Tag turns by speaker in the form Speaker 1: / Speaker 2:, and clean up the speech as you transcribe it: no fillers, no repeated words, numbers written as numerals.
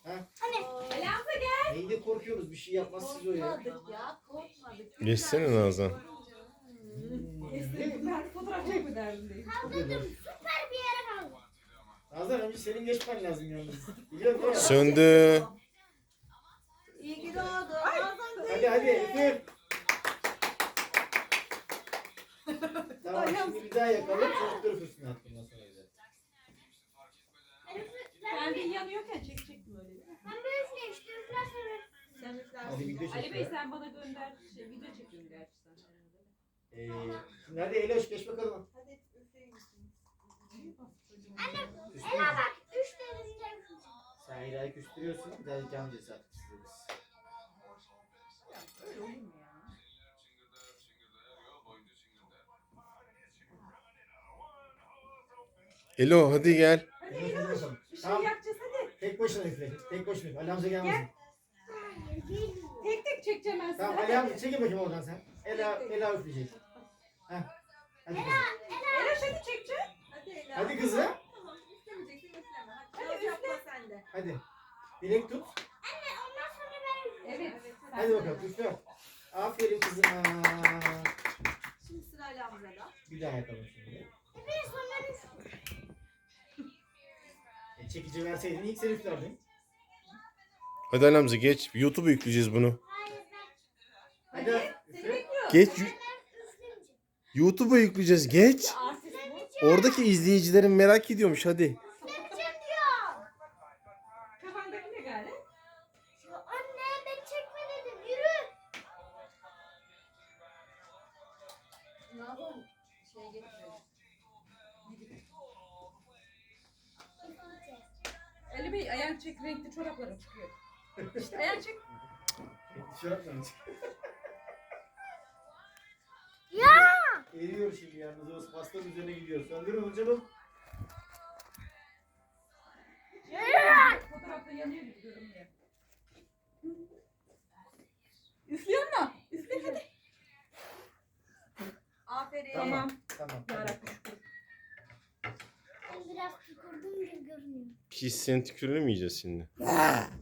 Speaker 1: Ha?
Speaker 2: Alamza gel.
Speaker 1: Neyde korkuyoruz? Bir şey yapmaz siz o ya.
Speaker 3: Korkmadık ya, korkmadık.
Speaker 4: Geçsene Nazan.
Speaker 2: Ben fotoğraf çekme derdindeyim.
Speaker 5: Süper bir yere kaldı.
Speaker 1: Nazan önce senin geçmen lazım yalnız. Biliyor musun?
Speaker 4: Söndü.
Speaker 3: İyi ki doğdu. Ağzın
Speaker 1: Hadi hadi üfür. Tamam şimdi bir daha yakalım. Çocukları üfürsün aklımdan sonra güzel.
Speaker 2: Ben de yanıyorken çekecektim öyle.
Speaker 5: Ben böyle üfleyeyim işte üflersen.
Speaker 3: Sen üflersin.
Speaker 1: Hadi video çek.
Speaker 2: Ali Bey sen bana gönder. Video çekiyorum gerçi sen.
Speaker 1: Şimdi hadi Eloş geç bakalım.
Speaker 3: Hadi üfleyin.
Speaker 5: Ela bak 3 denizde üfleyeceğim.
Speaker 1: Sen İla'yı küstürüyorsun. Bir daha yıkamayacağız artık size biz.
Speaker 2: Öyle olur mu ya?
Speaker 4: Elo hadi gel.
Speaker 2: Hadi
Speaker 1: Eloş hadi
Speaker 2: Eloş.
Speaker 1: bakalım.
Speaker 2: Bir şey
Speaker 1: Tamam.
Speaker 2: yapacağız hadi.
Speaker 1: Tek başına üfle. Tek başına üfle. Ali Hamza gelmesin.
Speaker 5: Hayır gelmiyor.
Speaker 2: Tek tek çekeceğim ben size.
Speaker 1: Tamam Ali Hamza çekin bakayım oradan sen. Ela üfleyecek. Heh. Hadi kızım.
Speaker 2: Eloş hadi çekeceğim.
Speaker 3: Hadi Ela.
Speaker 1: Hadi kızım.
Speaker 3: Tamam, üflemeyeceksin üfleme. Hadi,
Speaker 2: Hadi
Speaker 3: hadi yapma
Speaker 2: üfle.
Speaker 3: sen de.
Speaker 1: Hadi. Dilek tut.
Speaker 5: Ondan sonra ben üfleyeceğim.
Speaker 2: Evet.
Speaker 1: Hadi bakalım üfle. Aferin kızıma.
Speaker 3: Şimdi sıra Ali Hamza'da.
Speaker 1: Bir daha yapalım şimdi.
Speaker 5: Bir sonra üfleyeceğim.
Speaker 1: Çekici verseydin ilk sen üflerdin.
Speaker 4: Hadi Alamza geç. YouTube'a yükleyeceğiz bunu.
Speaker 5: Hayır ben
Speaker 1: Hadi
Speaker 2: Seni
Speaker 1: üfle.
Speaker 2: bekliyorum.
Speaker 4: Geç.
Speaker 5: üflemeyeceğim.
Speaker 4: YouTube'a yükleyeceğiz. Geç.
Speaker 2: Artist bu.
Speaker 4: Oradaki izleyicilerin merak ediyormuş hadi.
Speaker 5: Üflemeyeceğim diyor.
Speaker 2: Kafandaki ne gari?
Speaker 5: Ya anne ben çekme dedim yürü.
Speaker 3: Ne yapalım? Şey getirelim.
Speaker 2: Ali Bey ayağın çek renkli çoraplarım çıkıyor. İşte ayağın çek.
Speaker 1: Şarap mı?
Speaker 5: Ya.
Speaker 1: Eriyor şimdi yalnız o pastanın üzerine gidiyor. Söndürün onu canım.
Speaker 2: Fotoğrafta yanıyor gibi görünüyor. Üflüyor mu? Üfle hadi.
Speaker 3: Aferin.
Speaker 2: Tamam.
Speaker 1: Tamam.
Speaker 2: Yarabbim şükür.
Speaker 5: Ben biraz tükürdüm gibi görünüyor.
Speaker 4: Pis sen tükürür mü yiyeceğiz şimdi?